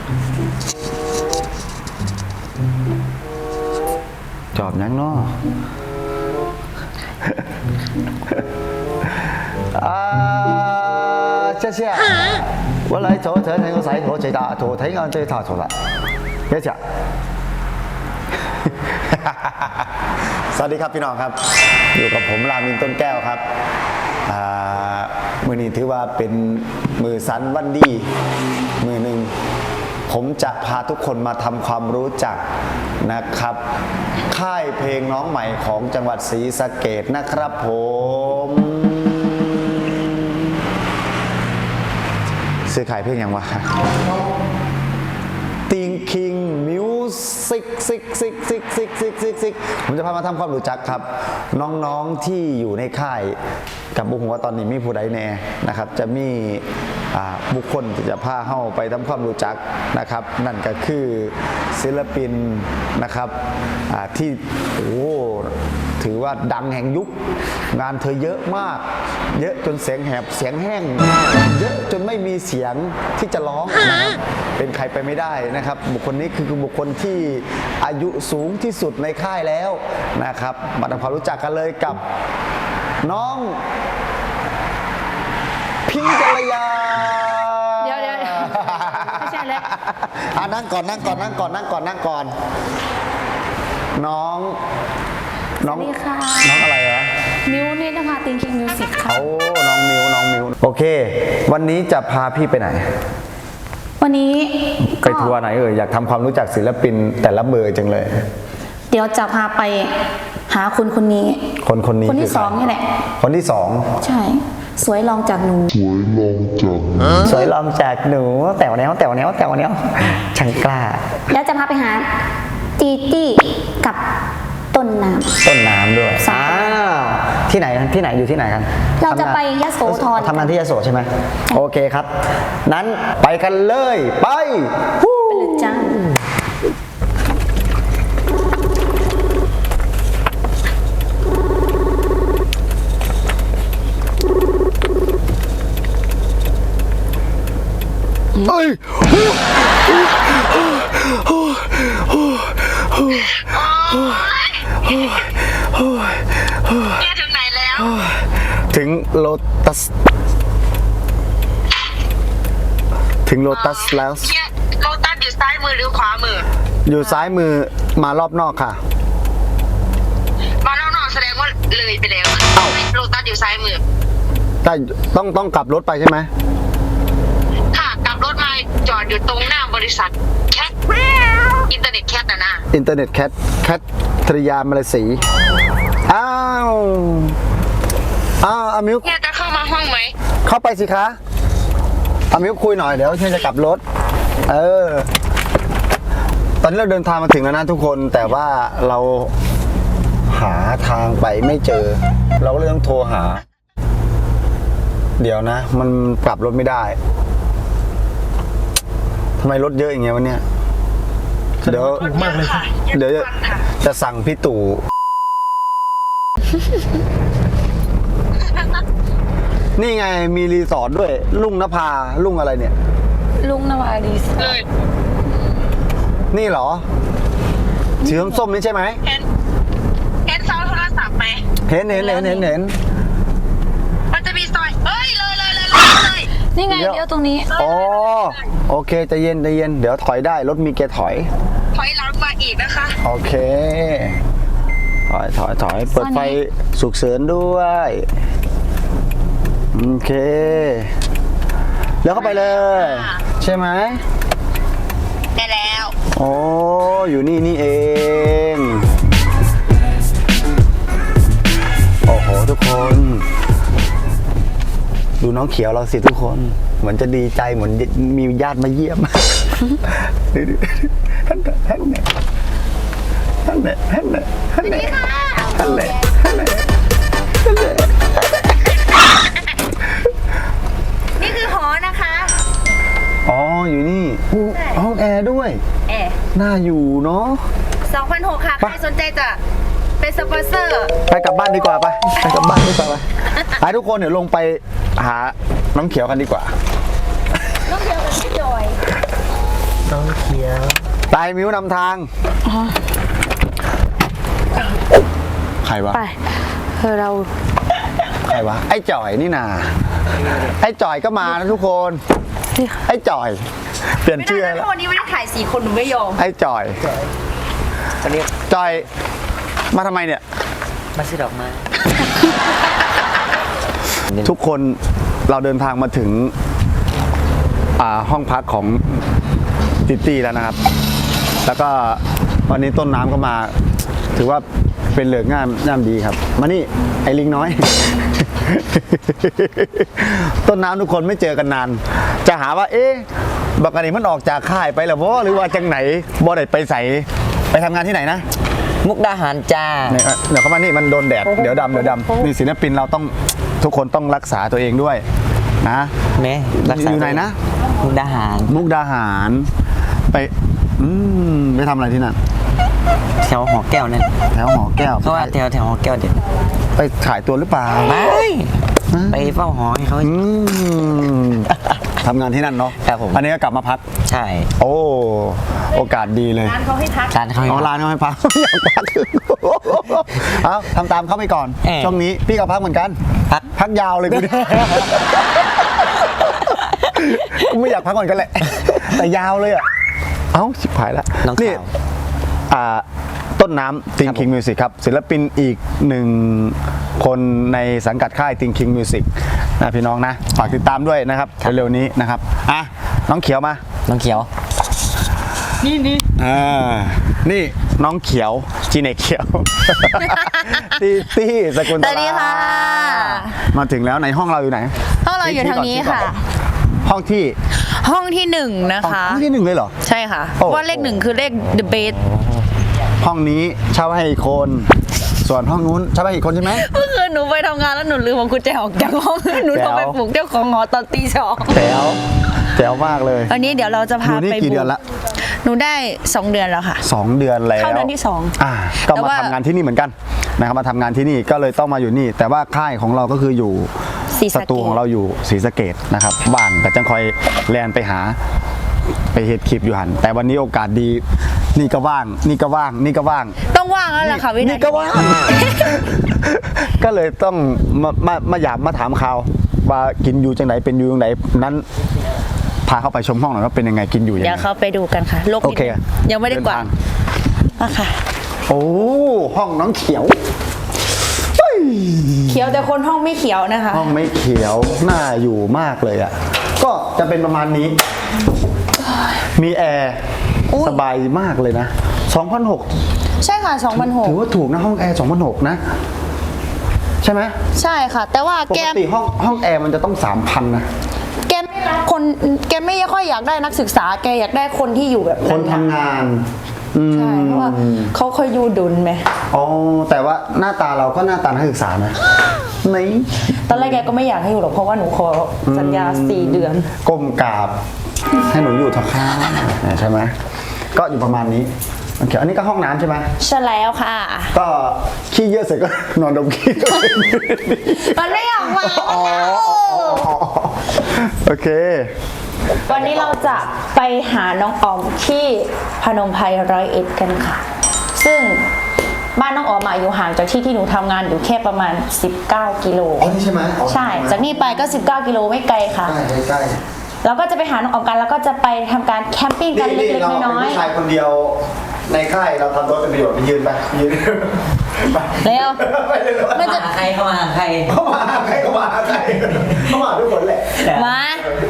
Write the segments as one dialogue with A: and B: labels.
A: จอบยังเนาะ谢谢。我来做这那个赛托最大，做睇眼最大出来，多謝 สวัสดีครับพี่น้องครับอยู่กับผมรามินต้นแก้วครับมือนี้ถือว่าเป็นมือสันวันดีมือหนึ่งผมจะพาทุกคนมาทำความรู้จักนะครับค่ายเพลงน้องใหม่ของจังหวัดศรีสะเกษนะครับผมซื้อขายเพลงยังวะติงคิงมิวสิกผมจะพามาทำความรู้จักครับน้องๆที่อยู่ในค่ายกับบุคคลว่าตอนนี้มีผู้ใดแน่นะครับจะมีบุคคลที่จะพาเข้าไปทำความรู้จักนะครับนั่นก็คือศิลปินนะครับที่ถือว่าดังแห่งยุคงานเธอเยอะมากเยอะจนเสียงแหบเสียงแห้งเยอะจนไม่มีเสียงที่จะร้องนะครับเป็นใครไปไม่ได้นะครับบุคคลนี้คือบุคคลที่อายุสูงที่สุดในค่ายแล้วนะครับมาทำความรู้จักกันเลยกับน้องพิงค์กัลยา
B: เดี๋ยวไม่ใช่แล้ว
A: นั่งก่อนน้อง
B: สวัสดีค่ะ
A: น้องอะไรวะ
B: มิวนิดาภาติงคิงมิวสิกค่ะ
A: น้องมิวโอเควันนี้จะพาพี่ไปไหน
B: วันนี้
A: ไปทัวร์ไหนอยากทำความรู้จักศิลปินแต่ละเบอร์จังเลย
B: เดี๋ยวจะพาไปหาคนนี้
A: คนนี้
B: คนที่สองนี่แหละ
A: คนที่สอง
B: ใช่สวยลองจากหนู
A: แต่วแนวช่างกล้า
B: แล้วจะพาไปหาจีจี้กับต้นน้ำด้วย
A: ที่ไหนอยู่ที่ไหนกัน
B: เราจะไปยโสธร
A: ทำงานที่ยโสใช่ไหมโอเคครับนั้นไปกันเลยไป
B: เลยจ้า
A: เอ้ย
C: ถึงไหนแล้ว
A: ถึงโลตัสแล้ว
C: โลตัสอยู่ซ้ายมือหรือขวามือ
A: อยู่ซ้ายมือมารอบนอกค่ะ
C: มารอบนอกแสดงว่าเลยไปแล้วโลตัสอยู่ซ้ายมือ
A: แต่ต้องกลับรถไปใช่ไหม
C: ค่ะกลับรถมาจอดอยู่ตรงหน้าบริษัทแคทอินเทอร์เน็ตแคทนะ
A: อินเทอร์เน็ตแคทธริยามาลาสีอามิว
C: เนี่ยจะเข้ามาห้องไหม
A: เข้าไปสิคะอามิวคุยหน่อยเดี๋ยวฉันจะกลับรถตอนนี้เราเดินทางมาถึงแล้วนะทุกคนแต่ว่าเราหาทางไปไม่เจอเราก็เลยต้องโทรหาเดี๋ยวนะมันกลับรถไม่ได้ทำไมรถเยอะอย่างเงี้ยวันเนี้ยเดี๋ยวจะสั่งพี่ตู่นี่ไงมีรีสอร์ทด้วยลุงนภาลุงอะไรเนี่ย
B: ลุงนภารีสอร์ท
A: นี่เหรอสีส้มนี่ใช่ไหม
C: เห็นเสาโทรศัพท์ไหม
A: เห็น
C: มันจะมีซอยเลย
B: นี่ไงเดี๋ยวตรงนี้
A: โอเคใจเย็นเดี๋ยวถอยได้รถมีเกียร์ถอย
C: หลังมาอีกนะคะ
A: โอเคถอยเปิดไฟฉุกเฉินด้วยโอเคแล้วเข้าไปเลยใช่ไหม
C: ได้แล้ว
A: อยู่นี่เองโอ้โหทุกคนดูน้องเขียวเราสิทุกคนเหมือนจะดีใจเหมือนมีญาติมาเยี่ยมท่าน
C: นี่คือหอนะคะ
A: อยู่นี่ห้องแอร์ด้วยน่าอยู่เนาะ
C: 2,600 ค่ะใครสนใจจะเป็นสปอนเซอร์
A: ไปกลับบ้านดีกว่าไปกลับบ้านดีกว่าไปทุกคนเดี๋ยวลงไปหาน้องเขียวกันดีกว่า
C: น้องเขียวกับพี่จอย
D: น้องเขียว
A: ตายมิ้วนำทางใครวะ
E: ไปเรา
A: ใครวะไอ้จ่อยนี่นาไอ้จ่อยก็มานะทุกคนไอ้จ่อยเปลี่ยนชื่อแล้ว
E: วันนี้ไม่ได้ถ่าย4 คนหนูไม่ยอม
A: ไอ้จ่อย
D: เขาเรียก
A: จ่อยมาทำไมเนี่ย
D: มาซื้อดอกไม้
A: ทุกคนเราเดินทางมาถึงห้องพักของติตี้แล้วนะครับ แล้วก็วันนี้ต้นน้ำก็มา ถือว่าเป็นเหลือกงามดีครับ มานี่ไอ้ลิงน้อย ต้นน้ำทุกคนไม่เจอกันนาน จะหาว่า เอ๊ะบักอันนี้มันออกจากค่ายไปแล้วบ่หรือว่าจังไหนบ่ได้ไปใส่ไปทำงานที่ไหนนะ
D: มุกดาหารจ้า
A: เนี่ยเดี๋ยวเข้ามานี่มันโดนแดดเดี๋ยวดำนี่ศิลปินเราต้องทุกคนต้องรักษาตัวเองด้วยนะ
D: แม่รักษา
A: อยู่ไหนนะ
D: มุกดาหาร
A: มุกดาหารไปไปทำอะไรที่นั่น
D: แถวหอแก้วนั่น
A: แถวหอแก้ว
D: เพราะว่าแถวหอแก้วเด็ด
A: ไปขายตัวหรือเปล่า
D: ไม่ไปเฝ้าหอให้เขา
A: ทำงานที่นั่นเนาะ
D: ครับผม
A: อันนี้ก็กลับมาพัก
D: ใช่
A: โอ้โอกาสดีเลย
E: ร้านเขาให้พัก
D: ร้านเขาให้
A: เอาร้านเขาให้พัก อยากพักเอาทำตามเขาไปก่อน ช่วงนี้พี่ก็พักเหมือนกัน พักยาวเลยกูเนี่ย กูไม่อยากพักก่อนกันแหละ แต่ยาวเลยอ่ะ เอ้าชิบหายแล้ว
D: น้อง
A: นี่
D: ข่าว
A: ต้นน้ำ Think King Music ครับ ศิลปินอีกหนึ่งคนในสังกัดค่าย Think King Music นะพี่น้องนะ ฝากติดตามด้วยนะครับเร็วๆนี้นะครับอ่ะน้องเขียวมา
D: น้องเขียว
A: นี่น้องเขียวจีเนกเขียว ตี้สกุลต
E: สวัสดีค่ะ
A: มาถึงแล้วในห้องเราอยู่ไหน
E: ห้องเราอยู่ทางนี้ค่ะ
A: ห้องที่
E: ห้องที่1นะคะ
A: ห้องที่หนึ่งเลยเหรอ
E: ใช่ค่ะ
A: โอ้
E: ว่าเลข 1 คือเลข the best
A: ห้องนี้เช่าให้อีกคน ส่วนห้องนู้นเช่าให้อีกคนใช่ไหม
E: เมื่อคืนหนูไปทำงานแล้วหนูลืมของกุญแจออกจากห้อง หนูโทรไปปลุกเจ้าของหอตอนตี 2
A: แจ๋วแจ๋วมากเลย
E: วันนี้เดี๋ยวเราจะ
A: อ
E: พา
A: ยู่นี่
E: ไป
A: กี่เดือนละ
E: หนูได้ 2 เดือนแล้วค่ะ
A: 2 เดือนแล้ว
E: เข้าเดือนที่สอง
A: ก็
E: แต่
A: มา
E: ว่า
A: ทำงานที่นี่เหมือนกันนะครับมาทำงานที่นี่ก็เลยต้องมาอยู่นี่ แต่ว่าค่ายของเราก็คืออยู่
E: ศรี
A: ส
E: สะเกษ
A: ตูของเราอยู่ศรีสะเกษนะครับว่างก็จังคอยแลนไปหาไปเฮ็ดคลิปอยู่หันแต่วันนี้โอกาสดีนี่ก็ว่างนี่ก็ว่างนี่ก็ว่าง
E: ต้องว่างแล้วล่ะค่ะวินา
A: นี่
E: ที
A: ก็ว่าง ก็เลยต้องมาหยาบมาถามข่าวว่ากินอยู่จังไหนเป็นอยู่จังไหนนั้นพาเข้าไปชมห้องหน่อยว่าเป็นยังไงกินอยู่ยัง
E: เดี๋ยว
A: ไง
E: เขาไปดูกันค่ะโลก
A: โอ
E: นี้
A: เค
E: ยังไม่ได้กวาด
A: เนทาง
E: อะค่ะ
A: โอ้ห้องน้องเขียว
E: เขียวแต่คนห้องไม่เขียวนะคะ
A: ห้องไม่เขียวน่าอยู่มากเลยอ่ะก็จะเป็นประมาณนี้ มีแอร์
E: อุ๊ย
A: สบายมากเลยนะ2,600
E: ใช่ค่ะ
A: ถือว่าถูกนะห้องแอร์2,600นะใช่ไหม
E: 2,006ใช่ค่ะ แต่ว่า
A: ป
E: แก
A: กติห้องแอร์มันจะต้อง 3,000นะ
E: แกไม่รับคนแกไม่ค่อยอยากได้นักศึกษาแกอยากได้คนที่อยู่แบบ
A: คนทำงาน
E: ใช่เพราะว่าเขาเคยอยู่ดุลไหม
A: อ๋อแต่ว่าหน้าตาเราก็หน้าตานักศึกษานะนี่
E: ตอนแรกแกก็ไม่อยากให้อยู่หรอกเพราะว่าหนูขอสัญญา4 เดือน
A: ก้มกราบให้หนูอยู่เถอะค่ะใช่ไหมก็อยู่ประมาณนี้โอเคอันนี้ก็ห้องน้ำใช่ไหม
E: ใช่แล้วค่ะ
A: ก็ขี้เยอะเสร็จก็ นอนดมขี้
E: มันไม่ออกมา
A: โอเค
E: วันนี้เราจะไปหาน้องออมที่พนมไพร101กันค่ะ ซึ่งบ้านน้องออมอยู่ห่างจากที่หนูทำงานอยู่แค่ประมาณ19 กิโล
A: อ๋อนี่ใช่ไหมอ๋อ
E: ใช่ จากนี่ไปก็19 กิโลไม่ไกลค่ะ
A: ใกล้
E: เราก็จะไปหาน้องออมกันแล้วก็จะไปทำการแคมปิ้งกันเล็ก
A: เราเป็น
E: ๆน้อย
A: ผู้ชายคนเดียวในค่ายเราทำรถเป็นประโยชน์ไปยืนไปยืนไป
E: ๆแล้ว
A: ไปเลย
E: มันจะ
D: ใครเข้ามาใคร
A: เข้ามาใครเข้ามาใครเข้ามาทุกคนแหละ
E: มา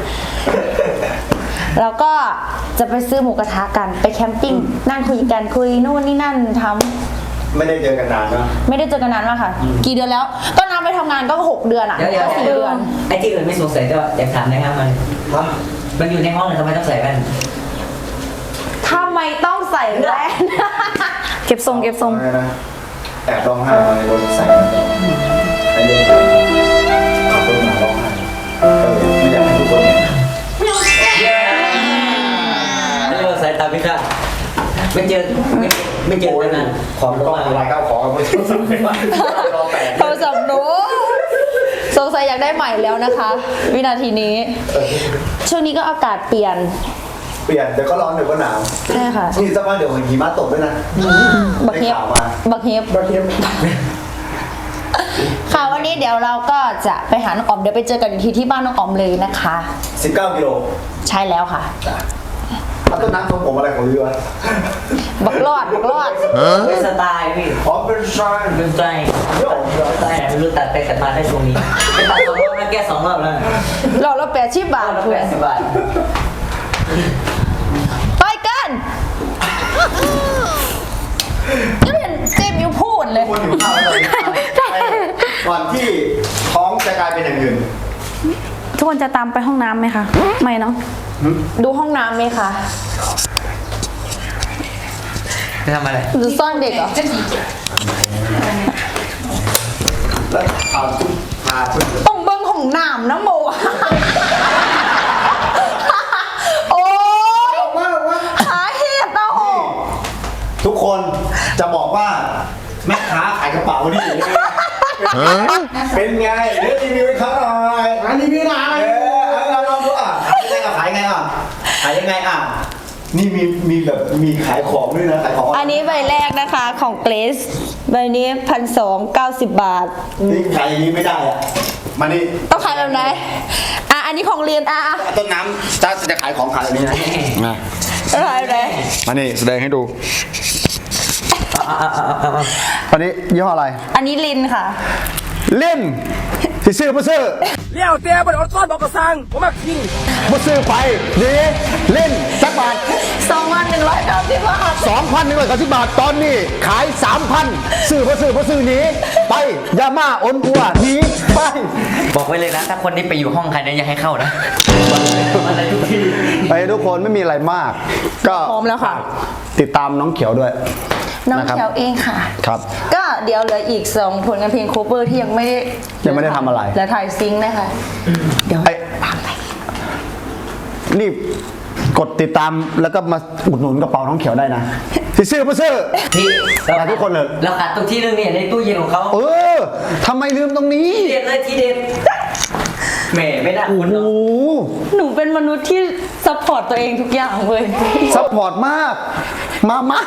E: แล้วก็จะไปซื้อหมูกระทะกันไปแคมปิ้งนั่งคุยกันคุยนู่นนี่นั่นทำ
A: ไม่ได้เจอกันนานนะ
E: ไม่ได้เจอกันนานมากค่ะ กี่เดือนแล้ว ก็นับไปทำงานก็6 เดือนอ่ะ
D: เดี๋ยว
E: ก็4 เดือน
D: ไอ้ที่อื่นไม่สงสัยก็อยากถามนะครับมันอยู่ในห้องเลยทำไมต้องใส่แว่น
E: ทำไมต้องใส่แว่น เก็บทรงเก็บทรง
A: อะไรนะแอบร้องไห้ในรถใส่ไอ้เรื่องขับรถมาร้องไห้ไม่อยากให้ทุกคนเห็น
D: เรียกว่าสายตาพิฆาตไม่เจอกันนาน
A: ความต้องอะไรข้าวของไม่ต้องสั่งไม่ได้รอแปด
E: โทรศัพท์หนูสงสัยอยากได้ใหม่แล้วนะคะ วินาทีนี้ ช่วงนี้ก็อากาศเปลี่ยน
A: เปลี่ยนเดี๋ยวก็ร้อนเดี๋ยวก็หนาว
E: ใช่ค่ะ
A: นี่สักพักเดี๋ยวหิมะตกด้วยนะ
E: บักเฮฟ
A: ได้ข่าวมา
E: บักเฮฟค่ะวันนี้เดี๋ยวเราก็จะไปหาน้องออมเดี๋ยวไปเจอกันอีกทีที่บ้านน้องออมเลยนะคะ
A: 19 กิโล
E: ใช่แล้วค่ะ
A: แล้วต้นน้ำทรงผมอะไรของพี่วะ
E: บักรอด
D: เป็นสไตล์พี่
A: อ๋อเป็นชาย
D: เป็นสไตล์สไตล์ไม่รู้ตัดไปตัดมาได้ช่วงนี้ไปตัด2 รอบนะแก้2 รอบแล้ว
E: เราละ80 บาท
D: รอบ
E: เพื่อน
D: 80 บาท
E: ไปกันก็เห็นเจมส์ยูพูดเลย
A: คนหิวข้าวแล้วก่อนที่ท้องจะกลายเป็นอย่างอื่น
E: ทุกคนจะตามไปห้องน้ำไหมคะ ไม่เนาะดูห้องน้ำไหมคะ
D: จะทำอะไร
E: หรือซ่อนเด็กเหรอ
A: แล้วเอาคุณพาคุณ
E: ต้องเบิ้งของน้ำนะโม โอ้ย
A: ว่าว่า
E: หาเหตุเอา
A: ทุกคนจะบอกว่าแม่ค้าขายกระเป๋านี่เป็นไงเดี๋ยวรีวิวให้เขาหน่อยรีวิวหน่อยเอาลองดูอ่ะขายยังไงอ่ะขายยังไงอ่ะนี่มีแบบมีขายของด้วยนะขายของ
E: อันนี้ใบแรกนะคะของเกรซใบนี้1,290 บาท
A: นี่ขายอย่างนี้ไม่ได้อ่ะมานี่
E: ต้องขายแบบไหนอันนี้ของเรียนอ่ะ
A: ต้นน้ำจะขายของขายแบบนี้นะ
E: ต้องขายแบบไหน
A: มานี่แสดงให้ดูอันนี้ยี่ห้ออะไร
E: อันนี้ลินค่ะ
A: เล่นสิซื้อบ่ซื้อ
F: เลี้ยวเตี้ยบนอดซ้อนบอกกระซังผมมากิน
A: บ่ซื้อไปดีเล่นสักบาท
E: 2,190 บาท
A: 2,190 บาทตอนนี้ขาย 3,000ซื้อบ่ซื้อหนีไปอย่ามาอ้นอัวหนีไป
D: บอกไว้เลยนะ ถ้าคนนี้ไปอยู่ห้องใครเนี่ยอย่าให้เข้านะอะไรทุกที่
A: ไปทุกคนไม่มีอะไรมาก ก็
E: พร้อมแล้วค่ะ
A: ติดตามน้องเขียวด้วย
E: น้อง
A: นะครับ
E: แถวเองค่ะ
A: ครับ
E: ก็เดี๋ยวเหลืออีก 2 ผลงานเพลงโคเวอร์ที่ยังไม่ได้
A: ทำอะไร
E: และถ่ายซิงค์นะคะ เดี๋ยว
A: ไอ้รีบกดติดตามแล้วก็มาอุดหนุนกระเป๋าน้องเขียวได้นะสิซื้อบ่ซื้อ
D: พี่
A: มาทุกคนเลย
D: เราขาดตรงที่นึงเนี่ยในตู้เย็นของเขา
A: เออทำไมลืมตรงนี้
D: ทีเด็ดเลยทีเด็ดแหมไม่น่าอุ่น
A: โอ้
D: เนาะ
A: โห
E: หนูเป็นมนุษย์ที่ซัพพอร์ตตัวเองทุกอย่างเลย
A: ซัพพอร์ตมาก มาม่า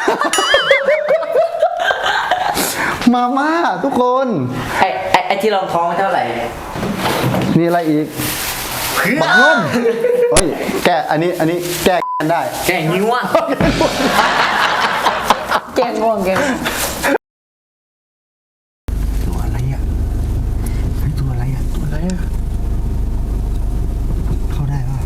A: มาม่าทุกคน
D: ไอ้ที่รองท้องเท่าไหร่
A: มีอะไรอีกบักนุ่มเฮ้ยแกอันนี้แก้กันได้
D: แกนิ้วอ่ะ
E: แกงง่วงแกง
A: ตัวอะไรอ่ะเฮ้ยตัวอะไรอ่ะตัวอะไรอ่ะเข้าได้ป่ะ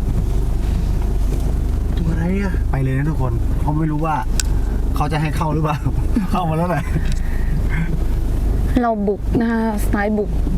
A: ตัวอะไรอ่ะไปเลยนะทุกคนเขาไม่รู้ว่าเขาจะให้เข้าหรือเปล่า เข้ามาแล้วไหน
E: เราบุกนะคะสไตล์บุก